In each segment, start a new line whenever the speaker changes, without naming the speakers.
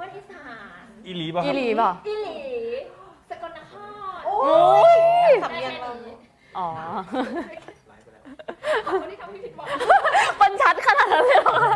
นอีสาน
อีหลีป่ะ
อีหลีป่ะ
อีหลีสกลนคร
โอ้ย
สำเนียงเรา
อ๋อ
คนที่ทำให้ผิดหวัง
มันชัดขนาดนั้นเลยเหรอ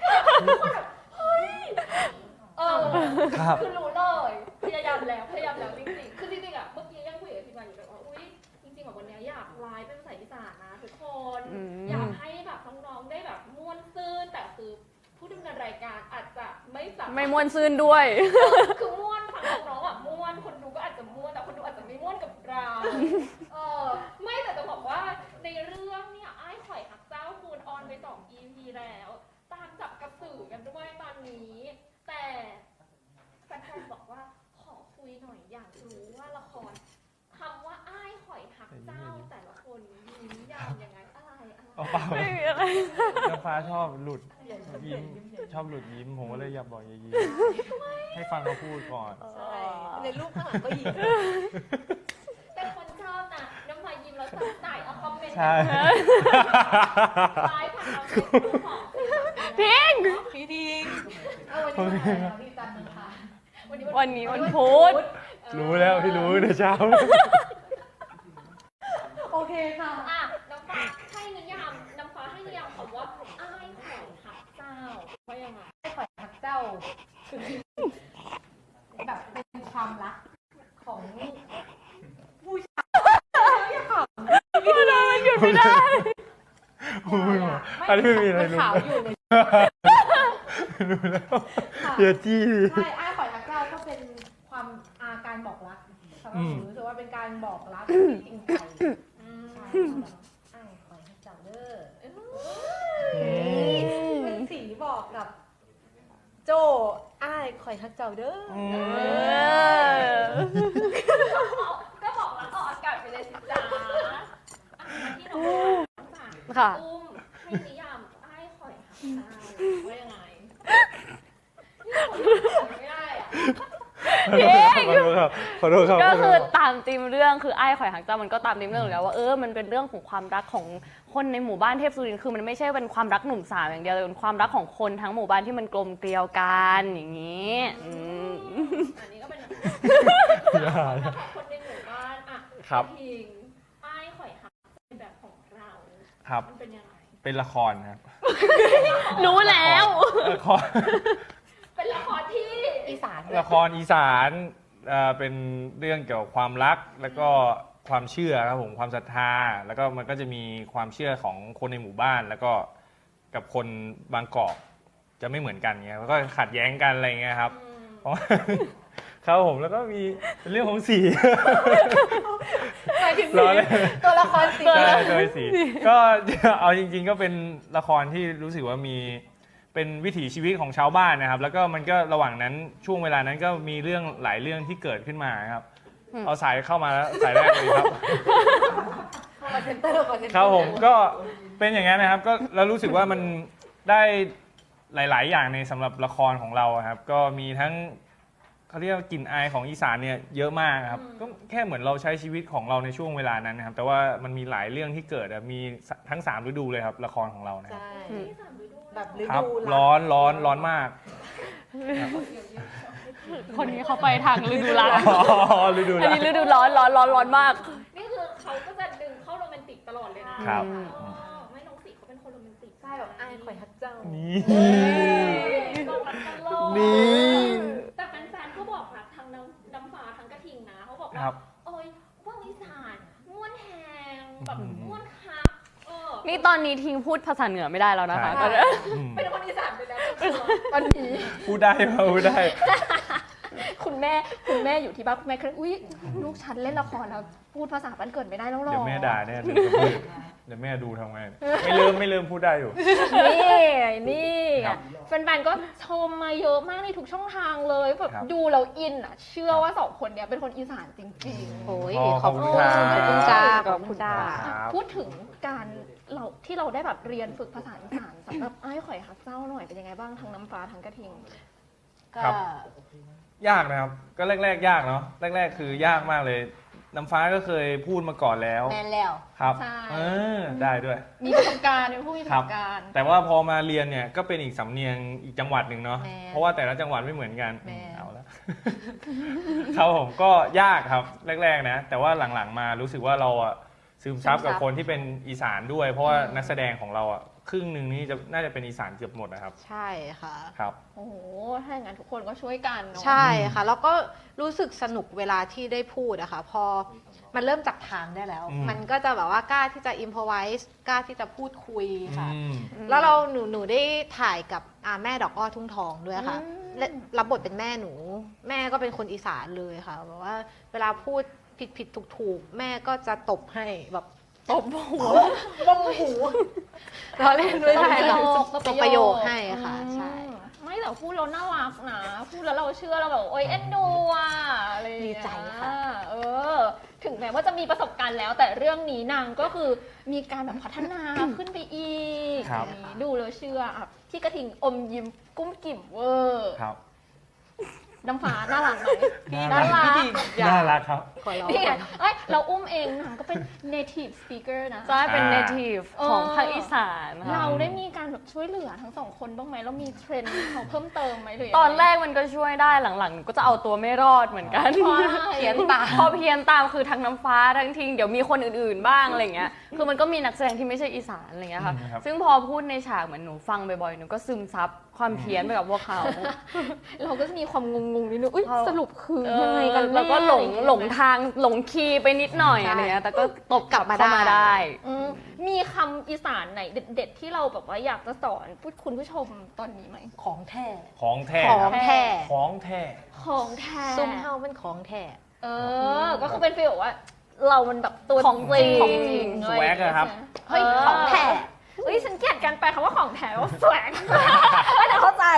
ครับ
คือรู้เลยพยายามแล้วจริงๆคือจริงๆอ่ะเมื่อกี้ยังคุยกับพี่มาอยู่เลยว่าอุ้ยจริงๆแบบวันนี้อยากไลฟ์เป็นภาษาอีสานนะทุกคนอยากให้แบบน้องๆได้แบบม่วนซื่นแต่คือผู้ดำเนินรายการอาจจะไม่สามารถ
ไม่ม่วนซื่นด้วย
คือม่วนฝั่งน้องๆอ่ะม่วนคนดูก็อาจจะม่วนแต่คนดูอาจจะไม่ม่วนกับเราไม่แต่จะบอกว่าในเรื่องเนี่ยอ้ายข่อยหักเจ้าคุณออนไป2 EP แล้วตามจับกระสือกันด้วยตอนนี้แต่แฟนๆบอกว่าขอคุยหน่อยอยากรู้ว่าละครคำว่าอ้ายข่อยหักเจ้าแต่ละคนมีนิยามยังไงอะไร
เอาเปล่า
ไม่มีอะไร
น้ำฟ้าชอบหลุดยิ้มชอบหลุดยิ้มผมก็เลยอยากบอกอย่ายิ้มให้ฟังเขาพูดก่อน
ใช่ในรูปข้างหลังก็ยิ้มเป็นคนชอบนะน้ำลายยิ้มแล้วใส่เอาคอมเมนต์
ใช่
ไลฟ์ผ่านเราเฟซบุ๊กของ
ทิ้ง
พี่ทิ้งวันนี้วันจันทร์นะคะ
วันนี้วันพุธ
รู้แล้วพี่รู้ในเช้า
โอเคค่ะอ่ะน้ำฟ้าให้นิยามน้ำฟ้าให้นิยามคำว่าอ้ายข่อยหักเจ้าว่ายังไง
ข่อยหักเจ้าแบบเป็นความรักของผู้ชาย
มันหยุดไม่ได้
พูดมาอันนี้ไม่มีอะไร
มัน
รู้
ขาวอยู่ใน
รู้แล้วอย่าจี้
ใช่อ้ายข่อยหักเจ้าก็เป็นความการบอกรักสำหรับหนูรู้สึกว่าเป็นการบอกรักที่จริงใจใช่อ้ายข่อยหักเจ้าเด้อเป็นสีบอกกับ โจอ้ายข่อยหักเจ้าเด้อ
ก็บอกแล้วออกอากาศไปเลยสิจ้ามาที่น้อง
ค่ะ
อุ้มให้นิยามอ้ายข่อยหักเจ้าว่ายังไงไม่ได้อะ
ขอโทษครับ
ก็คือตามธีมเรื่องคือไอ้ายข่อยหักเจ้ามันก็ตามธีมเรื่องอยู่แล้วว่ามันเป็นเรื่องของความรักของคนในหมู่บ้านเทพสุรินทร์คือมันไม่ใช่เป็นความรักหนุ่มสาวอย่างเดียวแต่เป็นความรักของคนทั้งหมู่บ้านที่มันกลมเกลียวกันอย่างนี้
อันนี้ก็เป็น
อย่า
คนในหมู่บ้านอ่ะ
ครับ
พิงอ้ายข่อยหักเป็นแบบของเรา
ครับ
มันเป็นยังไง
เป็นละครครับ
รู้แล้ว
ละคร
เป็นละครที่
อีสาน
ละครอีสานเป็นเรื่องเกี่ยวกับความรักแล้วก็ความเชื่อครับผมความศรัทธาแล้วก็มันก็จะมีความเชื่อของคนในหมู่บ้าน แล้วก็กับคนบางกอกจะไม่เหมือนกันเงี้ยแล้วก็ขัดแย้งกันอะไรเงี้ยครับเพราะครับผมแล้วก็มีเป็นเรื่องของสี
หมายถึง
ล้อเล่น
ตัวละครสี
ใช่โดยสีก็เอาจริงๆก็เป็นละครที่รู้สึกว่ามีเป็นวิถีชีวิตของชาวบ้านนะครับแล้วก็มันก็ระหว่างนั้นช่วงเวลานั้นก็มีเรื่องหลายเรื่องที่เกิดขึ้นมาครับเอาสายเข้ามาแล้วสายแรกเลยครับ
คอนเซนเตอร์
ครับผมก็เป็นอย่างนั้นนะครับก็แล้วรู้สึกว่ามันได้หลาย ๆ อย่างในสำหรับละครของเราครับก็มีทั้งเขาเรียกว่ากลิ่นอายของอีสานเนี่ยเยอะมากครับก็แค่เหมือนเราใช้ชีวิตของเราในช่วงเวลานั้นนะครับแต่ว่ามันมีหลายเรื่องที่เกิดมีทั้ง3ฤดูเลยครับละครของเรานะครับ
ใช่
ที่สามฤดู
แบบฤ
ครับ
ดู
ร้อนมาก
คนนี้เขาไปทางฤดูร้อน
ฤดู
อัน
ร้อน
นี้ฤดูร้อนมาก
นี่คือเขาก็จะดึงเข้าโรแมนติกตลอดเลยนะครับ อ๋อไม่น้องสีเขาเป็นคนโรแมนติก
ใช่แบบอ้ายข่อยฮักเจ้า
นี่
บอกรักกันโลก
นี่
แต่แฟนๆก็บอกรักทั้งน้ำฟ้าทั้งกระทิงนะเขาบอก
ค
ว่า
รับ
โอ้ยว่างอีสานม่วนแหงแบบม่วนคัก
นี่ตอนนี้ทิ้งพูดภาษาเหนือไม่ได้แล้วนะคะ
ใช่
เป็นคนอีสานไปแล้วตอนนี้
พูดได้มาพูดได้
คุณแม่อยู่ที่บ้านคุณแม่เคยอุ้ยลูกฉันเล่นละครแล้วพูดภาษาบ้านเกิดไม่ได้แล้วหรอ
เดี๋ยวแม่ด่าแน่เลยเดี๋ยวแม่ดูทำไงไม่ลืมพูดได้อยู่
นี่
ครับ
แฟนๆก็ชมมาเยอะมากในทุกช่องทางเลยแบบ
ครับ
ดูแล้วอินอ่ะ เชื่อว่าสองคนเนี้ยเป็นคนอีสานจริง
โอ้ย
ขอบคุณครับ
ขอบคุณจ้าขอบคุณจ้า
ครับ
ๆ พูดถึงการเราได้แบบเรียนฝึกภาษาอีสานสำหรับไอ้ายข่อยฮักเจ้าหน่อยเป็นยังไงบ้างทั้งน้ำฟ้าทั้งกระทิง
ครับ ยากนะครับก็แรกๆยากเนาะแรกๆคือยากมากเลยน้ำฟ้าก็เคยพูดมาก่อนแล้ว
แมนแล้ว
ครับ
ใช่
ได้ด้วย
มีประสบการณ์เป็นผู้มีประสบการณ์
แต่ว่าพอมาเรียนเนี่ยก็เป็นอีกสำเนียงอีกจังหวัดหนึ่งเนาะ
แม่
เพราะว่าแต่ละจังหวัดไม่เหมือนกัน
แม่
เอาละ ครับผมก็ยากครับแรกๆนะแต่ว่าหลังๆมารู้สึกว่าเราอะซึมซับกับคนที่เป็นอีสานด้วย เพราะว่านักแสดงของเราอะครึ่งหนึ่งนี่น่าจะเป็นอีสานเกือบหมดนะครับ
ใช่ค่ะ
ครับ
โอ้โห ถ้าอย่างนั้นทุกคนก็ช่วยกันเนาะ
ใช่ค่ะ แล้วก็รู้สึกสนุกเวลาที่ได้พูดอะค่ะ พอมันเริ่มจับทางได้แล้ว มันก็จะแบบว่ากล้าที่จะอิมพอไวส์กล้าที่จะพูดคุยค่ะ
อืม
แล้วหนูได้ถ่ายกับแม่ดอกอ้อทุ่งทองด้วยค่ะและรับบทเป็นแม่หนู แม่ก็เป็นคนอีสานเลยค่ะแบบว่าเวลาพูดผิดถูกแม่ก็จะตบให้แบบตบหัวบ้องหูเราเล่นด้วย
ตบ
ใช่
ประโย
ค่ะ
ค
ตบประโยคให้ค่ะใช่
ไม่แต่พูดเราน่ารักนะ พูดแล้วเราเชื่อเราแบบโอ๊ยเอ็นดูอ่ะอะไรอย่างเงี้ย
ดีใจค่ะ
ถึงแม้ว่าจะมีประสบการณ์แล้ว แต่เรื่องนี้นางก็คือมีการแบบพัฒนาขึ้นไปอีก
ครับ
อย่างนี้ดูแล้วเชื่ออ่ะพี่กระทิงอมยิ้มกุ้มกิ่มเวอร์
ครับ
น้ำฟ้าน่ารักไหม
น่ารัก
พี่
น่ารักครับ
ขอร้อง
นี่ไงเอ้ยเราอุ้มเองนางก็เป็น native speaker นะ
ใช่เป็น
อ่า
native ของภาคอีสานค่ะ
เราได้มีการแบบช่วยเหลือทั้งสองคนบ้างไหมเรามีเทรนด์เขาเพิ่มเติมไหมหรือยังไง
ตอนแรกมันก็ช่วยได้หลังๆหนูก็จะเอาตัวไม่รอดเหมือนกัน
เพราะอะไร
เพี้ยนตามพอเพี้ยนตามคือทั้งน้ำฟ้าทั้งทิงเดี๋ยวมีคนอื่นๆบ้างอะไรเงี้ยคือมันก็มีนักแสดงที่ไม่ใช่อีสานอะไรเงี้ยค่ะ
ครับ
ซึ่งพอพูดในฉากเหมือนหนูฟังบ่อยๆหนูก็ซึมซับความเพี้ยนไปกับพวกเขา
เราก็จะมีความงงๆนิดนึงอุ้ย
เพราะ
สรุปคือยังไงกัน
แล้วก็
แน่
หลงทางหลงคีย์ไปนิดหน่อย
ใช่
อะไรเงี้ยแต่ก็ตบ
กลับมา
เข้ามา
ได้
ได้
อืมมีคำอีสานไหนเด็ดๆที่เราแบบว่าอยากจะสอนคุณผู้ชมตอนนี้ไหม
ของแท้
ของแท้
ขอ
ค
ง
รับ
แท้
ของแท้
ของแท้
ซุ่มเฮาเป็นของแท้
ก็คือเป็นฟีลแบบว่า เรามันแบบตัว
ของจริง
ของจริง
สแวกอะครับ
เฮ้ยของแท้เฮ้ยฉันเกลียดการแปลคำว่าของแท้ว่าสวก แต่เข้าใจ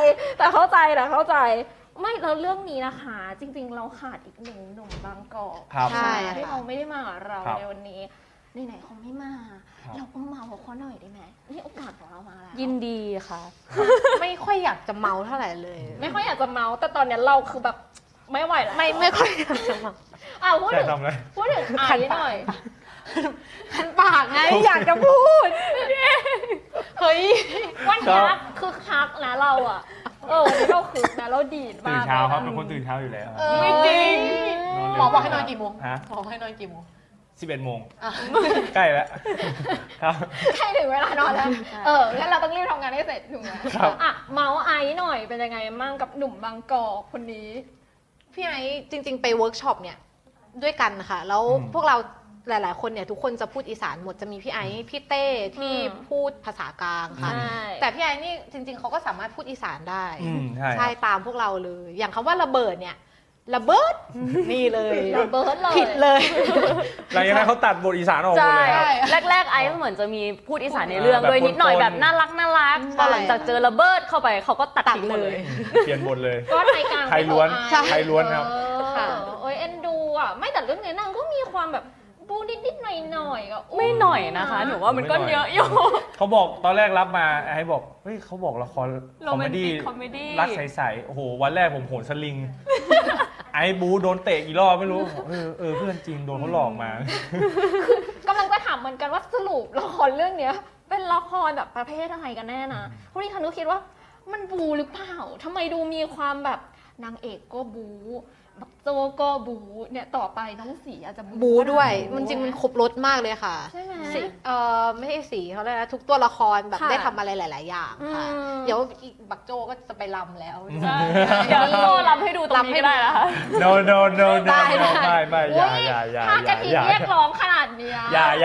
ไม่แล้วเรื่องนี้นะคะ จริง ๆ เราขาดอีกหนึ่งหนุ่มบางกอก
ครับ
ใช่
ที่เขาไม่ได้มากับเรา
ครับ
ในวันนี้ไหนๆเขาไม่มา
ครับ
เราก็เมาเขาหน่อยได้ไหมนี่โอกาสของเรามาแล้ว
ยินดีค่ะ
ไม่ค่อยอยากจะเมาเท่าไหร่เลย
ไม่ค่อยอยากจะเมาแต่ตอนเนี้ยเราคือแบบไม่ไหวแล้ว
ไม่ค่อยอยากจะเมา
พูด
จะ
ถึง
ทำอะไร
พูดถึงไอ้หน่อย
คันปากไงอยากจะพูด เฮ้ย
วันนี้คือคักนะเราอ่ะวันนี้เราคือนะเราดีด
ตื่
มาน ก
เช้าครับเป็นคนตื่นเช้าอยู่แล้ว
ไม่จริง
หมอบอกให้นอนกี่โมง
ฮะ
หมอบอกให้นอนกี่โมง
11 โมง
อ่ะ
ใกล้แล้วครับ
ใกล้ถึงเวลานอนแล้วงั้นเราต้องรีบทำงานให้เสร็จถูกไหม
ครับ
อ่ะเมาส์ไอ้หน่อยเป็นยังไงมั่งกับหนุ่มบางกอกคนนี้
พี่ไอ้จริง ๆ ไปเวิร์กช็อปเนี่ยด้วยกันค่ะ แล้วพวกเราหลาย ๆ คนเนี่ยทุกคนจะพูดอีสานหมดจะมีพี่ไอ้พี่เต้ที่พูดภาษากลางค่ะ
ใช่
แต่พี่ไอ้นี่จริง ๆเขาก็สามารถพูดอีสานได้
ใช่
ใช่ตามพวกเราเลย อย่างคำว่าระเบิดเนี่ยระเบิดนี่เลย
ระเบิดเลย
ผิดเลย
หลังจากนั้นเขาตัดบทอีสานออกหมด
ใช่
เลยครับ
แรกๆไอซ์เหมือนจะมีพูดอีสานในเรื่อง
แบบ
โดยนิดหน่อย
ปนๆ
แบบน่ารักพอหลังจากเจอระเบิดเข้าไปเขาก็ตัดทิ้งหมดเลย
เปลี่ยนบทเลย
ก็ไทยกลาง
ไทยล้วน
ไม่
ใช่
ไทยล้วนครับ
ค่ะ
โอ้ยเอ็นดูอ่ะไม่แต่เรื่องนี้นางก็มีความแบบบูนิดๆหน่อยๆก็
ไม่หน่อยนะคะหนูว่ามันก็เยอะอยู่
เขาบอกตอนแรกรับมาไอ้บอกเฮ้ยเขาบอกละครคอมเมดี้
Romantic comedy
รักใสๆโอ้โหวันแรกผมโหนสลิง ไอ้บูโดนเตะกี่รอบไม่รู้เพื่อนจริงโดนเขาหลอกมา
กำลังจะถามเหมือนกันว่าสรุปละครเรื่องเนี้ย เป็นละครแบบประเภทอะไรกันแน่นะพวกนี้คันก็คิดว่ามันบูหรือเปล่าทำไมดูมีความแบบนางเอกก็บูบักโจก็บูเนี่ยต่อไปน้องสีอาจจะ
บูด้วย
บู
มันจริงมันครบรถมากเลยค่ะ
ใช่ไหม
สีไม่ใช่สีเขาเลยกนะทุกตัวละครแบบ
ค่ะ
ได้ทำอะไรหลาย ๆ อย่างค่ะ
อืม
เดี๋ยวอีกบักโจก็จะไปรำแล้ว
เดี๋ยวโซ่รับให้ดูตรงนี้ก็ได้นะคะ
no no no no
ได้
no ไม่อย่า
ถ้ากระทิงเรียกร้องขนาดเนี้ย
อย่า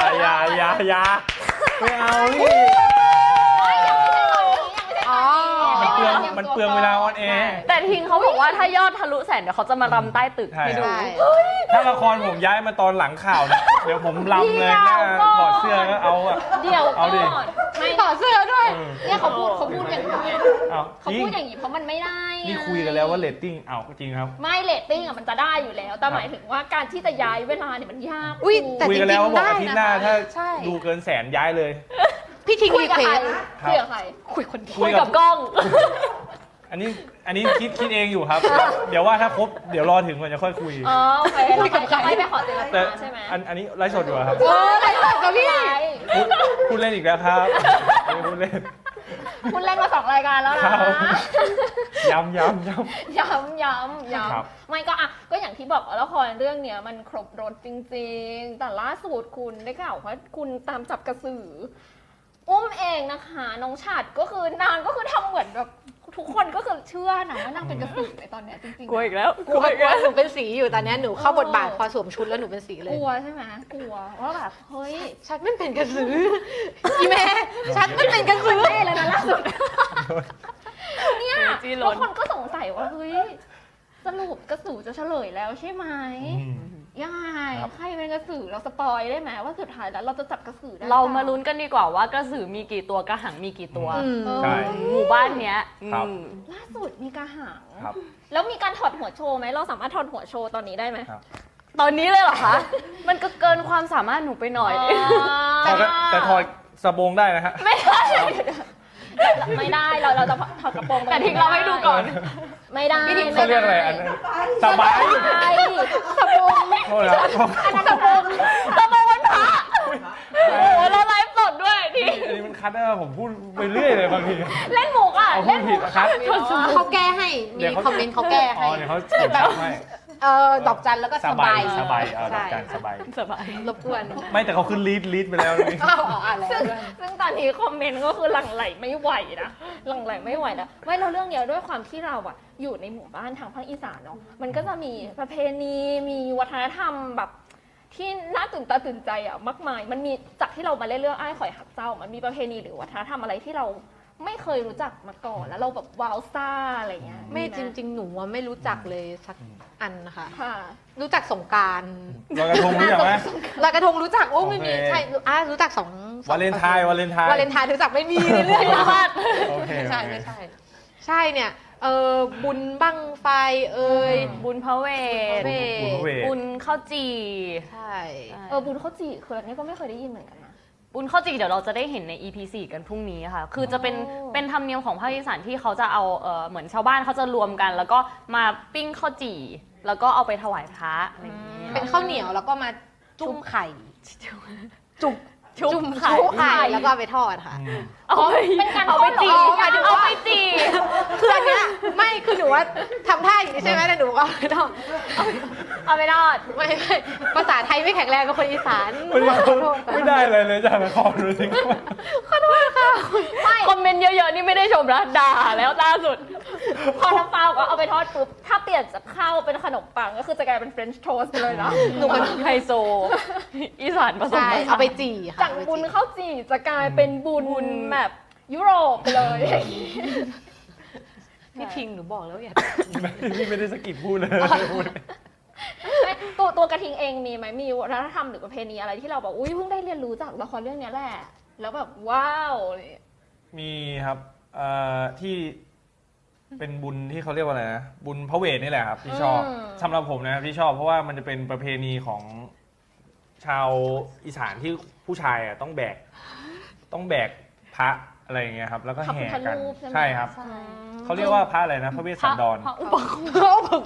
ไม่เอานี่
อ๋อ
มันเปลืองเวลาออนแอร์
แต่ทิงเขาบอกว่าถ้ายอดทะลุแสนเดี๋ยวเขาจะมารำใต้ตึกให้ดู
ใช่
ถ้าละครผมย้ายมาตอนหลังข่าวเนี่ยเดี๋ยวผมลำเลยหน้าถอดเสื้อก็เอาอะ
เดี๋ยว
เอาดิ
ก่อนไม่
ต่อเสื้อด้วย
เนี่ยเขาพูดอย่างนี้
เอา
เขา
จริง
พูดอย่างนี้เพราะมันไม่ได้ไง
นี่คุยกันแล้วว่าเรตติ้งเอาจริงครับ
ไม่เรตติ้งอะมันจะได้อยู่แล้ว แต่หมายถึงว่าการที่จะย้ายเวลาเนี่ยมันยาก
อุ๊ยแต่
คุยกันแล้วว่าบอก
ได้
อาทิตย์หน้า
นะคะ
ถ้า
ใช่
ดูเกินแสนย้ายเลย
พี่ทิ้ง
คุย
รี
กับ
เคว
ใคร
ส
คุยกับใคร
คุยคนเดียว
คุยกับกล้อง
ไออันนี้คิดเองอยู่ครับ เดี๋ยวว่าถ้าครบเดี๋ยวรอถึงก่อนจะค่อยคุย
อ๋อโอเคเราไปขอเจร
แต่
จาใช่ไหม
อันนี้ไลฟ์สดอยู่อะครับ
อะไรกับพี่
พูดเล่นอีกแล้วครับพูดเล่น
คุณเล่นมา2 รายการแล้ว
ครั
นะ
บ ย้ำ
ย้ำ
ครับ
ไม่ก็ก็อย่างที่บอกว่าละครเรื่องเนี้ยมันครบรถจริงๆ แต่ล่าสุดคุณได้ข่าวว่าคุณตามจับกระสือ อุ้มเองนะคะน้องฉัดก็คือนางก็คือทำเหมือนแบบทุกคนก็คือเชื่อนะว่านางเป็นกระสือในตอนเนี้ยจริงๆ
กลัวอีกแล้ว
กลัวหนูเป็นสีอยู่ตอนนี้หนูเข้าบทบาทพอสวมชุดแล้วหนูเป็นสีเล
ก
ย
ลัวใช่ไหมกลัวว่าแบบเฮ้ย
ชัดไม่เป็นกระสืออีแม่ชัดไม่เป็นกระสือ
เท่เลยนะล่าสุดเนี่ย
จี้ล้น
บางคนก็สงสัยว่าเฮ้ยสรุปกระสือจะเฉลยแล้วใช่ไหม ยังไง
ครับ
ใครเป็นกระสือเราสปอยได้ไหมว่าสุดท้ายแล้วเราจะจับกระสือได้
เรามาลุ้นกันดีกว่าว่ากระสือมีกี่ตัวกระหังมีกี่ตัว
อืม
ใช่
หมู่บ้านเนี้ย
ครับ
ล่าสุดมีกระหัง
ครับ
แล้วมีการถอดหัวโชว์ไหมเราสามารถถอดหัวโชว์ตอนนี้ได้ไหม
ครับ
ตอนนี้เลยเหรอคะ มันก็เกินความสามารถหนูไปหน่อย
แต่ถอดสบงได้นะฮะ
ไม่ได้ไม่ได้เราจะถอดกระโปรง
แต่ทิ้งเราให้ดูก่อน
ไม่ได้
เขาเรียกอะไรอันนั้นสบาย
ไม่ได้สบง
โทษนะ
อันนั้นสบง
ตะโมวันพระโอ้โหแล้วไลฟ์สดด้วยที่
อันนี้มันคัดได้ป่ะผมพูดไปเรื่อยเลยบางที
เล่นหมูอ่ะ
เอาพู
เล่
ด
นห
ผิ
มู
ดนะครับ
เขาแก้ให้มีคอมเมนต์เขาแก้
อ๋อ
ให้
เดี๋ยวเขาเขียนชัดให้
ดอกจันแล้วก็
ส
ส
บา
บาย ย
สบายดอก
ใช่
จันสบาย
สบาย
รบกวน
ไม่แต่เขาขึ้นลีดไปแล้วนี่
อ้าวอ่านแล้ว
ซึ่งตอนนี้คอมเมนต์ก็คือหลั่งไหลไม่ไหวนะหลั่งไหลไม่ไหวนะไม่เราเรื่องเนี้ยด้วยความที่เราอะอยู่ในหมู่บ้านทางภาคอีสานเนาะมันก็จะมีประเพณีมีวัฒนธรรมแบบที่น่าตื่นตาตื่นใจอะมากมาย มันมีจากที่เรามาเล่นเรื่องอ้ายข่อยหักเจ้ามันมีประเพณีหรือวัฒนธรรมอะไรที่เราไม่เคยรู้จักมาก่อนแล้วเราแบบว้าวซ่าอะไรเงี้ย
ไม่จริง ๆ หนูอะไม่รู้จักเลยสักอันนะคะ
ๆค่ะ
รู้จักสงกราร
ลอยกระทงรู้จักไหม
ลอยกระทงรู้จักโอ้ไม่มี
โอเค
ใช่รู้จักสอง
วาเลนไทน์วาเลนไทน์
วาเลนไทน์รู้จักไม่มีในเรื่องนี้มาก
โอเค
ไม่ใช่
โอเค
ไม่ใช่ ใช่เนี่ยบุญบั้งไฟเอ่ย
บุญพระเวท
เว
บุญพระเวท
บุญข้าวจี
ใช่
บุญข้าวจี่คืออันนี้ก็ไม่เคยได้ยินเหมือนกันนะ
บุญข้าวจีเดี๋ยวเราจะได้เห็นใน EP 4 กันพรุ่งนี้ค่ะ คือจะเป็น
โอ้
เป็นธรรมเนียมของภาคอีสานที่เขาจะเอาเหมือนชาวบ้านเขาจะรวมกัน แล้วก็มาปิ้งข้าวจี่แล้วก็เอาไปถวายพระอะไรอย่างนี้
เป็นข้าวเหนียวแล้วก็มาจุ่มไข่
ชุบ
จุ่มไข่แล้วก็เอาไปทอดค่ะ
อืม
เอาไป
เป็นการ
เอาไปจี
อ๋อหมายถึงว่า
เอาไปจี
คืออันเนี้ยไม่คือหนูว่าทำท่าอย่างนี้ใช่ไหมแต่หนูก็ไม่ต้อง
เอาไปทอด
ไม่ภาษาไทยไม่แข็งแรงเป็นคนอีสาน
ไม่ได้เลยเลยจากละครดูสิ
คอมเมนต์เยอะๆ นี่ไม่ได้ชมนะด่าแล้วล่าสุด
พอน้ำเปล่าก็เอาไปทอดปุ๊บถ้าเปลี่ยนจากข้าวเป็นขนมปังก็คือจะกลายเป็นเฟรนช์โทสต์เลยนะ
หนูเป็นไฮโซ อีสานผสม
ใช่
ผสาน
เอาไปจี่ค่ะ
จากบุญข้าวจี่จะกลายเป็นบุญแบบยุโรปไปเลย
พี่พิงหนูบอกแล้วอย่า
พี่ไม่ได้สกิปพูดเลยพูด
ตัวกระทิงเองมีไหมมีวัฒนธรรมหรือประเพณีอะไรที่เราแบบอุ้ยเพิ่งได้เรียนรู้จากละครเรื่องนี้แหละแล้วแบบว้าวอะไรอย่างเงี้ย
มีครับที่เป็นบุญที่เขาเรียกว่าอะไรนะบุญพระเวทนี่แหละครับที่ชอบสำหรับผมนะที่ชอบเพราะว่ามันจะเป็นประเพณีของชาวอีสานที่ผู้ชายอ่ะต้องแบกพระอะไรอย่างเงี้ยครับ แล้วก็
พระพุ
แห่
ทธ
กัน
รูปใช่ไหม
ใช่ครับ
ใช่
เขาเรียกว่าพระอะไรนะพระเวสสันดร
พระอุปคุฎ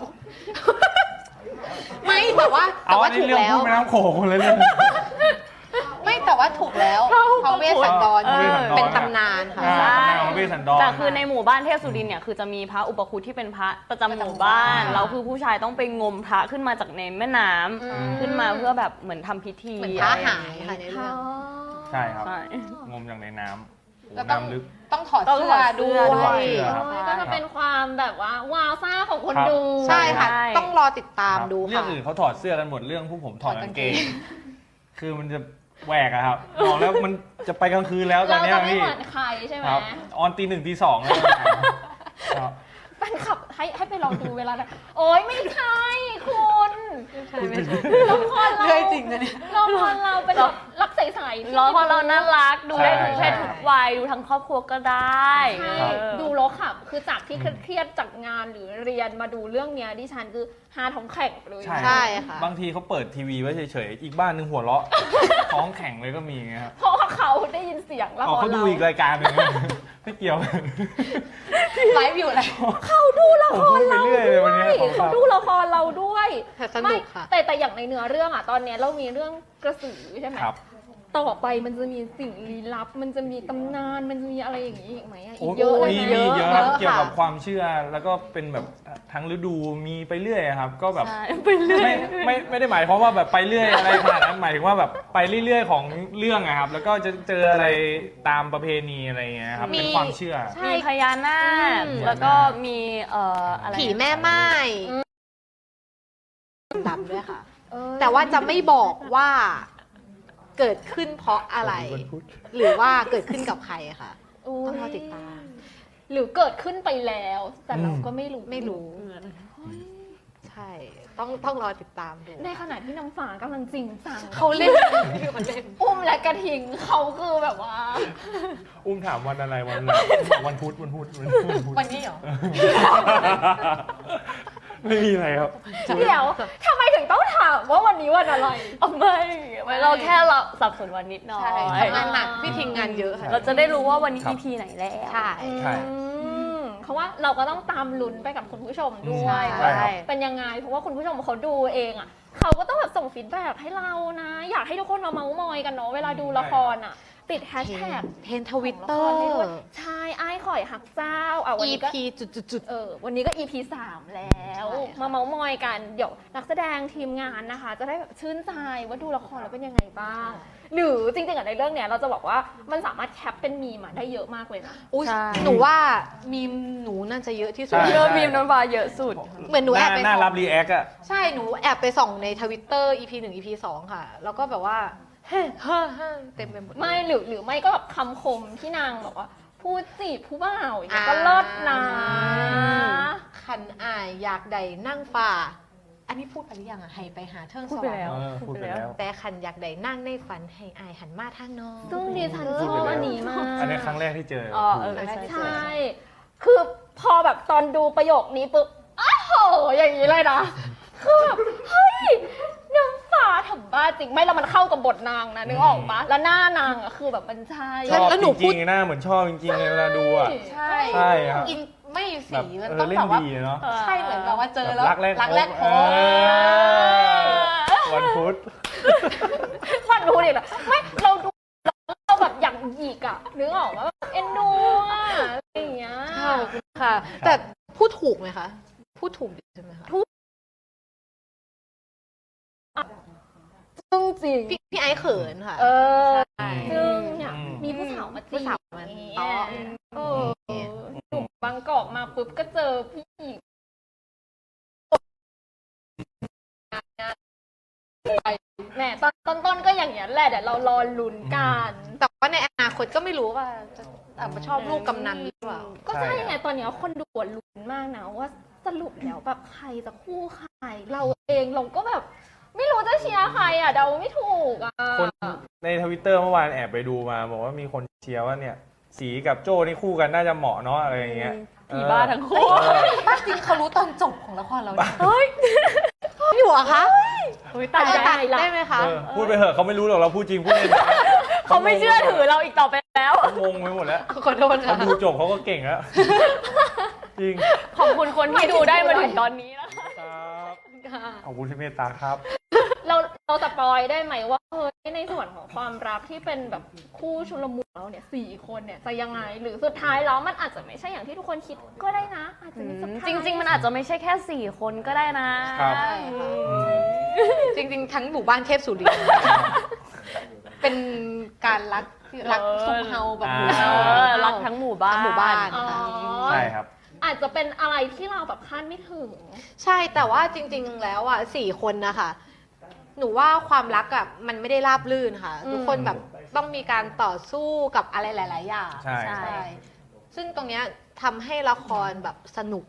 ไม่แต่ว่า
เอาอันนี้
ถูก
เรื่อง
แล้ว
พูดแม่น้ำโขงเลยเรื่อง
ไม่แต่ว่าถูกแล้วพระเวสสันดร
พระเวสสันดร
เป็นตำนานค่ะ
ตำนานของพระเวสสันดร
แต่คือในหมู่บ้านเทพสุรินทร์เนี่ยคือจะมีพระอุปคุฎที่เป็นพระประจำหมู่บ้านแล้วคือผู้ชายต้องไปงมพระขึ้นมาจากในแม่น้ำขึ้นมาเพื่อแบบเหมือนทำพิธี
เหมือนพระ
อะไรอย่
หาง ย
นี้
ค่ะในเรื่อง
ใช่ครับ
ใช่
งมจากในน้ำ
แล้วต้อง
น้ำลึก
ต้องถอด
ต้อง
เสื้
ถ
อ
อดเสื้
ด้
อ
ว
ด้วย
ย
ครับ
ก็จะเป็นความแบบว่าว้าวซ่าของคน
ครับ
ดู
ใช่ค่ะ
ใช่
ต้องรอติดตาม
ครับ
ดู
เรื่อง
ค่ะ
อื่นเขาถอดเสื้อกันหมดเรื่องผู้ผมถอดกางเกง
ถอดกางเก
คือมันจะแหวกอะครับบอกแล้วมันจะไปกลางคืนแล้วตอ
เรา
นเนี้ย
จะไม่
พี่
เหมือนใครใช่ไหม
ครับออนตี 1 ตี 2แล้วครับ
แฟนคลับให้ไปลองดูเวลานั้นโอ๊ยไม่ใช่คุณ
ใช่ไม่ใช่
ละครเรา
เรื่อยจริงนะเนี่ย
ละครเราเป็นแบบรักใสๆที่
ร้องเพราะเราน่ารักดูได้ทุกเพศ
ใช่
ทุกวัยดูทั้งครอบครัวก็ได้
ใช่
เออ
ดูแล้วค่ะคือจากที่เครียดๆจากงานหรือเรียนมาดูเรื่องเนี้ยดิฉันคือฮาท้องแข็งเลย
ใช่ค่ะ
บางทีเขาเปิดทีวีไว้เฉยๆ อีกบ้านหนึงหัวเราะ ท้องแข็งเลยก็มีไงครับ
เพราะว่าเขาได้ยินเสียงละค
อ๋อ
ร
เขาดู
เรา
อีกรายการหนึง ไม่เกี่ยว
ไลฟ์อยู่อะไร
เขาดูละคร
ผมพูดไปเรื่อยเลยวันนี้
เขาดูละครเราด้วย
แต่สนุกค่ะ
ไม่แต่อย่างในเนื้อเรื่องอ่ะตอนเนี้ยเรามีเรื่องกระสือใช่ไหม
ครับ
ต่อไปมันจะมีสิ่งลี้ลับ มันจะมีตำนานมันจะมีอะไรอย่างนี้อีกไหมอะอี
โอ้
กเยอะเลย
มี
ไหม
เยอะครับ
เยอะค่ะ
เกี่ยวกับความเชื่อแล้วก็เป็นแบบทั้งฤดูมีไปเรื่อยครับ ก็แบบ
ใช่ไปเรื่อย
ไม่ได้หมายความว่าแบบไปเรื่อยอะไรขนาดนั้นหมายถึงว่าแบบไปเรื่อยๆของเรื่องอะครับ แล้วก็จะเจออะไรตามประเพณีอะไรอย่างเงี้ยครับ
มี
เป็นความเชื่อ
ใช่
มีพญานาค
อืม
แล้วก็มีอะไร
ผีแม่ไม้ดำด้วยค่ะ
เออ
แต่ว่าจะไม่บอกว่าเกิดขึ้นเพราะอะไร หรือว่าเกิดขึ้นกับใครค่ะ
ย
ต้องรอติดตาม
หรือเกิดขึ้นไปแล้ว แต่เรา
อืม
ก็ไม่รู้
ไม่รู้ ใช่ ต้องรอติดตามดู
ในขณะที่น้ำฝากำลังจริงจัง
เขาเล่นอยู่มันเล่น
อุ้มและกระทิงเขาคือแบบว่า
อุ้มถามวันอะไรวันไหนวันพุธวันพุธ
วันนี้เหรอ
ไม่มีอะไรครับ
เดี๋ยวทำไมถึงต้องถามว่าวันนี้วันอะไร
เอาไม่เราแค่เราสับสนวันนิดหน่อ
ใช่
ย
ทำงานหนักพี่ทิงงานเยอะค่ะ
เราจะได้รู้ว่าวันนี้
ครับ
EP ไหนแล้ว
ใช่
ใช่
เพราะว่าเราก็ต้องตามลุ้นไปกับคุณผู้ชมด้วย
ใช่ครับ
เป็นยังไง เพราะว่าคุณผู้ชมเขาดูเองอ่ะเขาก็ต้องแบบส่งฟีดแบ็กให้เรานะ อยากให้ทุกคนมาเมาส์มอยกันเนาะเวลาดูละครอ่ะ ติดแฮชแท็ก
เทรนทวิตเตอร์
ใช่ไอ้ข่อยหักเจ้าอ่ะวันนี้ก็
EP จุด
วันนี้ก็ EP 3 แล้ว
ใช่ค่ะ
มาเมาส์มอยกัน เดี๋ยวนักแสดงทีมงานนะคะ จะได้แบบชื่นใจว่าดูละครแล้วเป็นยังไงบ้าง หรือจริงๆอะในเรื่องเนี้ยเราจะบอกว่ามันสามารถแคปเป็นมีมอะได้เยอะมากเลยนะ
อุ้ย
ใช่
หนูว่ามีมหนูน่าจะเยอะที่สุด
ใช่
เยอะมีมน้ำปลาเยอะสุด
เหมือนหนูแอบไป
น่า
ส่อง
รับรีแอคอะ
ใช่ หนูแอบไปส่องในทวิตเตอร์ EP 1 EP 2 ค่ะ แล้วก็แบบว่าเฮ้เต็มไปหมดเลย
ไม่หรือไม่ก็แบบคำคมที่นางบอกว่า พูดจีบผู้บ่าวอย่างเงี้ยก็เลิศนะ
คันอายอยากใดนั่งฝ่า อันนี้พูดไปหรือยังอะให้ไปหาเทิง
พู
ส
ด
ว
ไป
รร
แล้ว
ค์
พูดไปแล้ว
แต่คันอยากใดนั่งในฝันให้อายหันมาทางน้อง
ซึ่งดิฉันชอบอันนี้มาก
อันนี้ครั้งแรกที่เจอ
อ๋อเออ
ใช่ คือพอแบบตอนดูประโยคนี้ปุ๊บ อ้าวโห อย่างนี้เลยนะ คือแบบ เฮ้ย น้ำฟ้าทำบ้าจริง ไม่แล้วมันเข้ากับบทนางนะนึกออกปะแล้วหน้านางอะคือแบบมันใช่
ชอบ
แล้วหนู
จ
พู
ริ
ด
งๆหน้าเหมือนชอบจริงๆเลยเวลาดูอะ
ใช่
ใช่ครับ
อินไม่
แบบ
สีมัน
เอ
ต้
อ
อง
เล่
แบ
น
บว่า
ดีเนาะ
ใช่เหมือนกับว่าเจอแล้ว
รักแรก
รักแรก
พ
พ
บบ วันพุธ
มันดูดิแบบไม่เราดูเราแบบอย่างหยิกอะนึกออกว่าเอ็นดูอะอะไรอย่างเงี้ย
ค่ะค่ะ แต่พูดถูกไหมคะ พูดถูกใช่ไหมคะ
ซึ่งจริง
พี่ไอซ์เขินค่ะ
เออ
ใช่
ซึ่งเนี่ย
อืม
มีผู้สาวมาจีบ
ผู้สาวมา
อย่างเงี้
ต่อ
ยเออหนุ่มบางกอกมาปุ๊บก็เจอพี่หญิงแหมตอนต้นก็อย่างเงี้ยแหละเดี๋ยวเรารอลุ้นกัน
แต่ว่าในอนาคตก็ไม่รู้ว่าจะชอบลูกกำนันหรือเปล่า
ก็ใช่
ใช่
ไงตอนเนี้ยคนดูอะลุ้นมากนะว่าสรุปแล้วแบบใครจะคู่ใครเราเองเราก็แบบ ไม่รู้จะเชียร์ใครอ่ะเดาไม่ถูกอ่ะ
คนในทวิตเตอร์เมื่อวานแอบไปดูมาบอกว่ามีคนเชียร์ว่าเนี่ย สีกับโจ้นี่คู่กันน่าจะเหมาะเนาะอะไรอย่างเงี้ย
ผีบ้าทั้งคู่
เออ
บ้าจริงเขารู้ตอนจบของละครเราเนี่ยเฮ้ยอยู่เหรอคะ
ตัด
ตัด
ได้ละ
ได้ไหมคะ
เออพูดไปเถอะเขาไม่รู้หรอกเราพูดจริงพูดเล่น
เขาไม่เชื่อถือเราอีกต่อไปแล้ว
เขางงไปหมดแล้ว
ขอโทษ
เขา
ค่ะ
ดูจบเขาก็เก่งแล้วจริง
ขอบคุณคนที่ดูได้มาถึงตอนนี้นะคะ
ครับขอบคุณที่เมตตาครับ
เราสปอยได้ไหมว่าเฮ้ยในส่วนของความรักที่เป็นแบบคู่ชุลมุนเราเนี่ย4 คนเนี่ยจะยังไงหรือสุดท้ายแล้วมันอาจจะไม่ใช่อย่างที่ทุกคนคิดก็ได้นะ อาจจะมีสุดท้าย
จริง ๆ มันอาจจะไม่ใช่แค่ 4 คนก็ได้นะครับ
จริงๆ ทั้งหมู่บ้านเทพสุรินทร์เป็นการรักซุปเฮาแบบหมู่
เอ
เฮา
อรักทั้งหมู่บ้าน
ทั้งหมู่บ้าน
อ๋อ
ใช่ครับ
อาจจะเป็นอะไรที่เราแบบคาดไม่ถึง
ใช่แต่ว่าจริงๆ แล้วอ่ะ4 คนนะคะหนูว่าความรักอ่ะมันไม่ได้ราบรื่นค่ะ ทุกคนแบบต้องมีการต่อสู้กับอะไรหลาย ๆ อย่าง
ใช่
ซึ่งตรงเนี้ยทำให้ละครแบบสนุก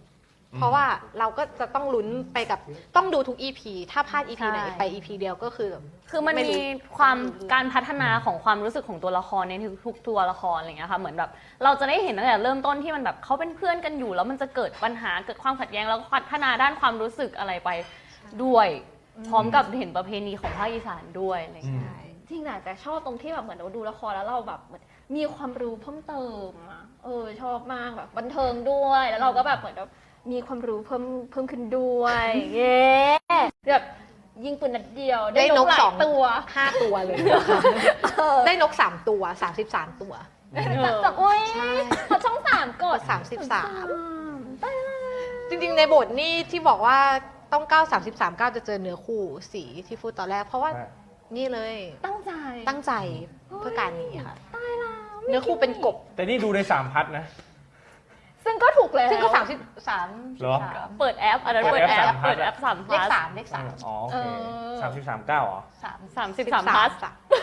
เพราะว่าเราก็จะต้องลุ้นไปกับต้องดูทุก EP ถ้าพลาด EP ไหน
ใช่
ไป EP เดียวก็คือ
คือมัน
ไม่รู้
มีความการพัฒนาของความรู้สึกของตัวละครในทุกตัวละครอะไรเงี้ยค่ะเหมือนแบบเราจะได้เห็นตั้งแต่เริ่มต้นที่มันแบบเขาเป็นเพื่อนกันอยู่ แล้วมันจะเกิดปัญหาเกิดความขัดแย้งแล้วก็พัฒนาด้านความรู้สึกอะไรไปด้วย พร้อมกับเห็นประเพณีของภาคอีสานด้วยอะไรเงี้ย
จริงนะแต่ชอบตรงที่แบบเหมือนเราดูละครแล้วเราแบบเหมือนมีความรู้เพิ่มเติมอะชอบมากแบบบันเทิงด้วยแล้วเราก็แบบเหมือนแบบมีความรู้เพิ่มขึ้นด้วยเย้แบบยิงปืนนัดเดียวได้นกหลายตัว
5 ตัวเลย ได้นก 3 ตัว 33 ตัว
แต่โอ้ย
ใช่
พอช่องสามกด
33 จริงๆ ในบทนี่ที่บอกว่าต้อง9 จะเจอเนื้อคู่สีที่พูดตอนแรก เพราะว่านี่เลย
ตั้งใจ
ตั้งใจเพื่อการนี้ค่ะ เนื้อคู่เป็นกบ
แต่นี่ดูใน3 พัทนะ
ซึ่งก็ถูกแล้ว
ซึ่งก็33
เหรอ
เปิดแอปอันนั้น
เปิ
เปิ
ด
ด
แอ
แอ
ป
ปเปิดแอป3
เลข
plus
3 เลข 3
อ๋อโอเค33 9เหรอ
33 plus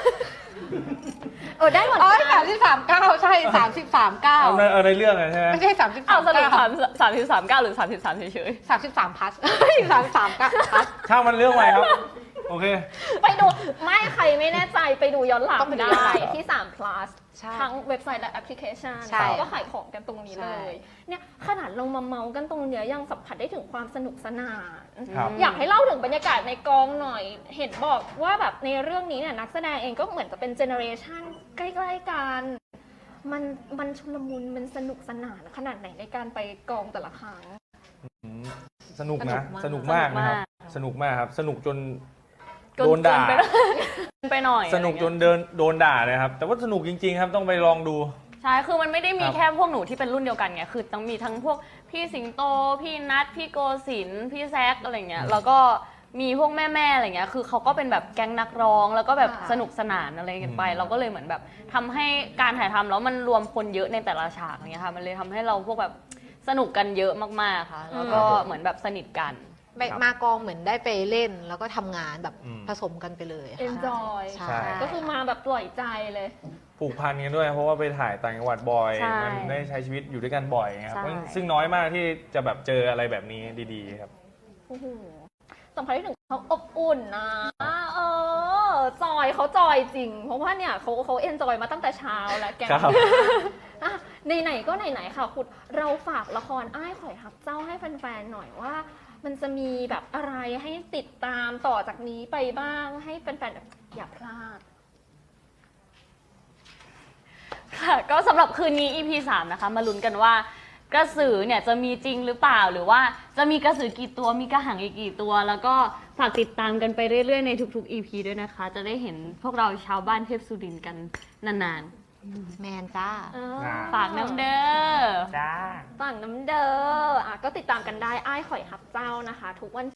ได้หมด
โอ้ย33 9 ใช่ 33 9
ในเรื่องอะใช่ไหม
ไม่ใช่
เอาสรุป
33
33 9หรือ33เฉย
9 33 พัส33 9พัส
ช่างมันเรื่องใหม่ครับ โอเค
ไปดูไม่ใครไม่แน่ใจไปดูย้อนหลัง
ต้องไปดูย้อนหลั
ได้
ง
ที่3 plus
ใช่
ทั้งเว็บไซต์และแอปพลิเคชัน
ใช่
ก็ขายของกันตรงนี้เลย เนี่ยขนาดเรามาเมากันตรงเนี้ยยังสัมผัสได้ถึงความสนุกสนาน
ครับ
อยากให้เล่าถึงบรรยากาศในกองหน่อย เห็นบอกว่าแบบในเรื่องนี้เนี่ยนักแสดงเองก็เหมือนจะเป็นเจเนอเรชันใกล้ๆกัน มันชุลมุนมันสนุกสนานขนาดไหนในการไปกองแต่ละครั้ง
สนุกนะ
ส
ส
นุ
นุก
ก
มาม
าก ก
นะครับ สนุกมากครับ สนุกจน
ๆ
โดนด่า
ไปหน่อย
สนุกจนโดนด่าเลยครับ แต่ว่าสนุกจริง ๆ ครับ ต้องไปลองดู
ใช่คือมันไม่ได้มี
ครับ
แค่พวกหนูที่เป็นรุ่นเดียวกันไงคือต้องมีทั้งพวกพี่สิงโต พี่นัทพี่โกศินทร์พี่แซคอะไรเงี้ยแล้วก็มีพวกแม่ๆอะไรเงี้ยคือเขาก็เป็นแบบแก๊งนักร้อง แล้วก็แบบ
ค่ะ
สนุกสนานอะไรกันไป เราก็เลยเหมือนแบบทำให้การถ่ายทำแล้วมันรวมคนเยอะในแต่ละฉากอย่างเงี้ยค่ะมันเลยทำให้เราพวกแบบสนุกกันเยอะมากๆค่ะ แล้วก็เหมือนแบบสนิทกัน
มากองเหมือนได้ไปเล่นแล้วก็ทำงานแบบ
อืม
ผสมกันไปเลยค่ะ
enjoy
ใช่
ใช่
ก็คือมาแบบปล่อยใจเลย
ผูกพันกันด้วย เพราะว่าไปถ่ายต่างจังหวัดบ่อย
ใช่
มันได้ใช้ชีวิตอยู่ด้วยกันบ่อยไงครับ
ใช่
ซึ่งน้อยมากที่จะแบบเจออะไรแบบนี้ดีๆครับ
โอ้โหสัมผัสได้ถึงเขาอบอุ่นนะจอยเขาจอยจริง เพราะว่าเนี่ยเขาเอนจอยมาตั้งแต่เช้าแล้วแก
ครับ
อ่ะไหนๆก็ไหนๆค่ะคุณเราฝากละครอ้ายข่อยฮักเจ้าให้แฟนๆหน่อยว่า มันจะมีแบบอะไรให้ติดตามต่อจากนี้ไปบ้างให้แฟนๆแบบอย่าพลาด
ค่ะก็สำหรับคืนนี้ EP 3 นะคะ มาลุ้นกันว่ากระสือเนี่ยจะมีจริงหรือเปล่า หรือว่าจะมีกระสือกี่ตัวมีกระหังอีกกี่ตัว แล้วก็ฝากติดตามกันไปเรื่อยๆในทุกๆ EP ด้วยนะคะ จะได้เห็นพวกเราชาวบ้านเทพสุรินทร์กันนาน
แมนจ้า
ๆ ฝากน้ำเด้อ
จ้า
ฝั่งน้ำเด้อก็ติดตามกันได้อ้ายข่อยฮักเจ้านะคะ ทุกวัน